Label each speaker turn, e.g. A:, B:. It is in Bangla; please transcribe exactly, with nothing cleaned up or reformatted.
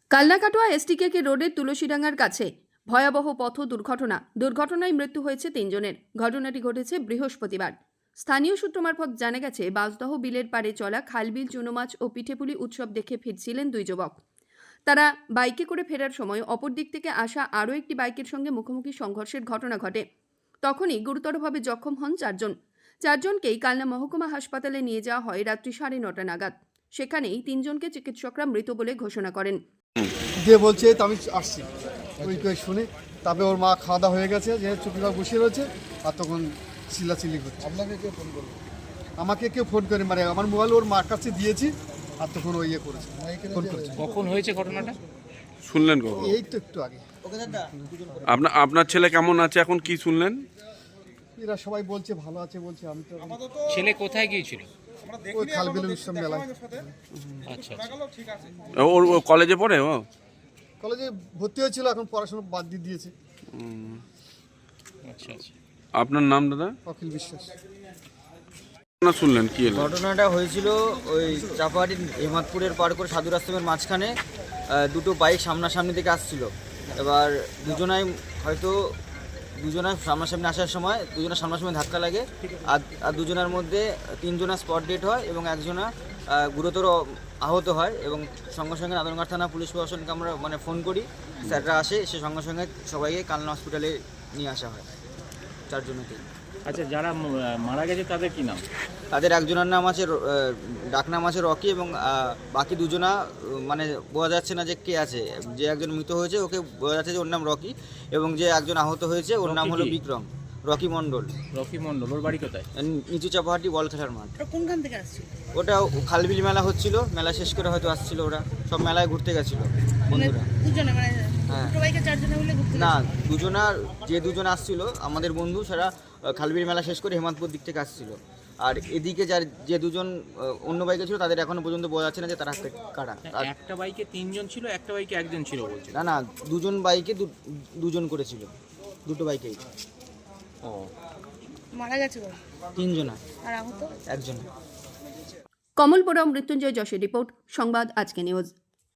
A: কাল্লাকাটোয়া এসটিকে রোডের তুলসীডাঙ্গার কাছে ভয়াবহ পথ দুর্ঘটনা দুর্ঘটনায় মৃত্যু হয়েছে তিনজনের। ঘটনাটি ঘটেছে বৃহস্পতিবার। স্থানীয় সূত্র মারফত জানা গেছে, বাঁশদহ বিলের পাড়ে চলা খালবিল, চুনোমাছ ও পিঠেপুলি উৎসব দেখে ফিরছিলেন দুই যুবক। তারা বাইকে করে ফেরার সময় অপর দিক থেকে আসা আরও একটি বাইকের সঙ্গে মুখোমুখি সংঘর্ষের ঘটনা ঘটে। তখনই গুরুতরভাবে জখম হন চারজন। চারজনকেই কালনা মহকুমা হাসপাতালে নিয়ে যাওয়া হয় রাত্রি সাড়ে নটা নাগাদ। সেখানেই তিনজনকে চিকিৎসকরা মৃত বলে ঘোষণা করেন।
B: যে বলছে তো আমি আসছি ওই করে শুনে, তারপরে ওর মা খাওয়া দাওয়া হয়ে গেছে, যে চুপিটা বসে রয়েছে, আর তখন চিল্লাচিল্লি করছে। আপনাকে কেউ ফোন করলো? আমাকে কেউ ফোন করে, মানে আমার মোবাইল ওর মার কাছে দিয়েছি, আর তখন ওই ইয়ে করেছে, ফোন করেছে।
C: কখন হয়েছে ঘটনাটা
D: শুনলেন কখন?
B: এই তো একটু আগে।
D: আপনার আপনার ছেলে কেমন আছে এখন, কি শুনলেন?
B: এরা সবাই বলছে ভালো আছে বলছে, আমি তো
C: ছেলে কোথায় গিয়েছিল?
B: ওই খালবিল উৎসব মেলায়।
C: আচ্ছা
D: ওর ও কলেজে পড়ে? ও
B: কলেজে ভর্তি হয়েছিল, এখন পড়াশোনা বাদ দিয়ে দিয়েছে।
C: আচ্ছা আচ্ছা।
D: আপনার নাম দাদা?
B: অখিল বিশ্বাস।
D: না শুনলেন কি হলো?
E: ঘটনাটা হয়েছিল ওই চাপাহাটির হেমাদপুরের পার করে সাধুর আশ্রমের মাঝখানে আহ, দুটো বাইক সামনাসামনি থেকে আসছিল। এবার দুজনাই হয়তো দুজনার সামনাসামনি আসার সময় দুজনের সামনাসামনি ধাক্কা লাগে, আর আর দুজনের মধ্যে তিনজনের স্পট ডেট হয় এবং একজনা আহ, গুরুতর আহত হয়। এবং সঙ্গে সঙ্গে নাদনঘাট থানা পুলিশ প্রশাসনকে আমরা মানে ফোন করি, স্যাররা আসে, সে সঙ্গে সঙ্গে সবাইকে কালনা হসপিটালে নিয়ে আসা হয় চারজনকেই।
C: আচ্ছা, যারা ম- মারা গেছে তাদের কি নাম?
E: তাদের একজনের নাম আছে র- আহ, ডাকনাম আছে রকি, এবং আহ, বাকি দুজনা আহ, মানে বোঝা যাচ্ছে না যে কে আছে। যে একজন মৃত হয়েছে ওকে বোঝা যাচ্ছে যে ওর নাম রকি, এবং যে একজন আহত হয়েছে ওর নাম
C: রকি
E: হলো
C: কি?
E: বিক্রম। রকি মণ্ডল।
C: রকি মণ্ডল, ওর বাড়ি কোথায়?
E: নিচু চাপাহাটি বল খেলার মাঠ।
F: কোনখান থেকে আসছিল?
E: ওটা খালবিল মেলা হচ্ছিল, মেলা শেষ করে হয়তো আসছিল, ওরা সব মেলায় ঘুরতে গেছিল বন্ধুরা।
F: দুজনে মানে
E: হ্যাঁ।
F: দুটো বাইকে চারজনে মিলে ঘুরতে
E: না,
F: গেছিল?
E: দুজনার যে দুজন আসছিল আমাদের বন্ধু, সেটা আহ, খালবিল মেলা শেষ করে হেমাদপুর দিক থেকে আসছিল। আর এদিকে যার যে দুজন আহ, অন্য বাইকে ছিল, তাদের এখনো পর্যন্ত বোঝা যাচ্ছে না যে তারা কারা। আর
C: একটা বাইকে তিনজন ছিল, একটা বাইকে একজন ছিল বলছে।
E: না না, দুজন বাইকে দু- দুজন করেছিল, দুটো বাইকেই।
C: ও,
F: মারা গেছে ওরা?
E: তিনজনা,
F: আর আহত
E: একজন।
A: কমলপুরম মৃত্যুঞ্জয় যশের রিপোর্ট, সংবাদ আজকে নিউজ।